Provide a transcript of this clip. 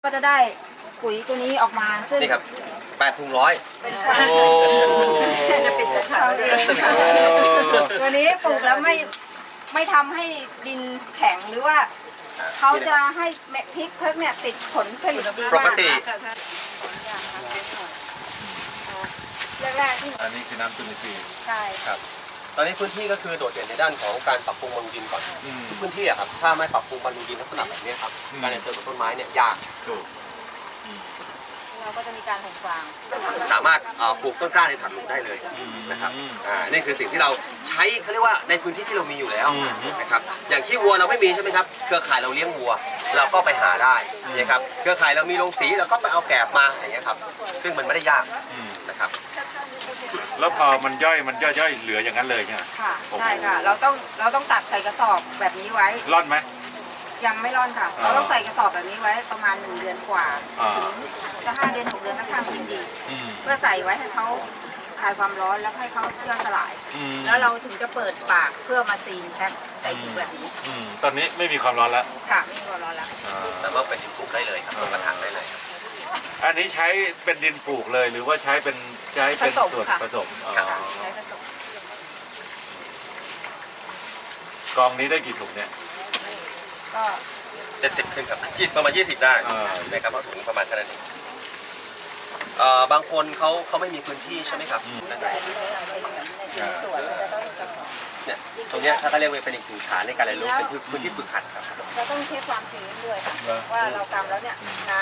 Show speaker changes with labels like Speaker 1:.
Speaker 1: ก็จะได้ปุ๋ยตัวนี้ออกมาซึ่ง
Speaker 2: นี่ครับ8 ถุงร้อย
Speaker 1: เป็น
Speaker 3: โอ้
Speaker 1: จะปิดกระถางเองตัวนี้ปลูกแล้วไม่ทำให้ดินแข็งหรือว่าเขาจะให้พริกเพิกเนี่ยติดผลผลิตดี
Speaker 2: ป
Speaker 1: มาก
Speaker 2: กติ
Speaker 1: แรกๆที่
Speaker 3: อันนี้คือน้ำจุลินทรีย์
Speaker 1: ใช่
Speaker 2: ครับ ตอนนี้พื้นที่ก็คือโดดเด่นในด้านของการปรับปรุงบำรุงดินก่อน
Speaker 3: อืม
Speaker 2: ทุกพื้นที่อะครับถ้าไม่ปรับปรุงบำรุงดินลักษณะแบบนี้ครับ
Speaker 3: อืม
Speaker 2: การเติบโตของต้นไม้เนี่ยยาก
Speaker 3: ถูก
Speaker 1: เราก็จะมีการห่มฟาง
Speaker 2: สามารถปลูกต้นกล้าในถังหลุมได้เลยนะครับนี่คือสิ่งที่เราใช้เขาเรียกว่าในพื้นที่ที่เรามีอยู่แล้วนะครับอย่างที่วัวเราไม่มีใช่ไหมครับเครือข่ายเราเลี้ยงวัว เราก็ไปหาได้นะครับเครือข่ายเรามีโรงสีเราก็ไปเอาแกบมาอย่างเงี้ยครับซึ่งมันไม่ได้ยากนะครับ
Speaker 3: แล้วพอมันย่อยเหลืออย่างนั้นเลยใช่ไหม
Speaker 1: ค่ะใช่ค่ะเราต้องตัดใส่กระสอบแบบนี้ไว้
Speaker 3: ร่อนไหม
Speaker 1: ยังไม่ร่อนค่ะ เราต้องใส่กระสอบแบบนี้ไว้ประมาณ1 เดือนกว่า
Speaker 3: อ่า
Speaker 1: ถึงจะ5 เดือน 6 เดือนถ้าข้างยิ่งดี
Speaker 3: อืม
Speaker 1: เพื่อใส่ไว้ให้เขาคลายความร้อนแล้วให้เขาย่อยสลาย
Speaker 3: อืม
Speaker 1: แล้วเราถึงจะเปิดปากเพื่อมาซีนแพ็คใส่ถุงแบบนี้
Speaker 3: ตอนนี้ไม่มีความร้อนแล้ว
Speaker 1: ค่ะไม่มีความร้อนแล้ว
Speaker 2: แต่ว่าเป็นดินปลูกได้เลยครับลงกระถางได้เลยครับ
Speaker 3: อันนี้ใช้เป็นดินปลูกเลยหรือว่าใช้เป็นส่วนผสมอ๋อ
Speaker 1: ค่ะใช้ผสม
Speaker 3: กองนี้ได้กี่ถุงเนี่ย
Speaker 1: ก็
Speaker 2: 70 ขึ้นครับประมาณ20 ได้
Speaker 3: อ่า
Speaker 2: นะครับเพราะถุงประมาณแค่นั้นเองบางคนเขาไม่มีพื้นที่ใช่ไหมครับนะครับ
Speaker 1: ในสวนเราจะต้อง
Speaker 2: เนี่ยตรงเนี้ยถ้าเขาเรียกว่าเป็นอีกหนึ่งฐานในการเรียนรู้เป็นพื้นที่ฝึกหัดครับ
Speaker 1: เราต้องเช็คความชื้นด้วยค่ะว่าเรากำแล้วเนี่ยน้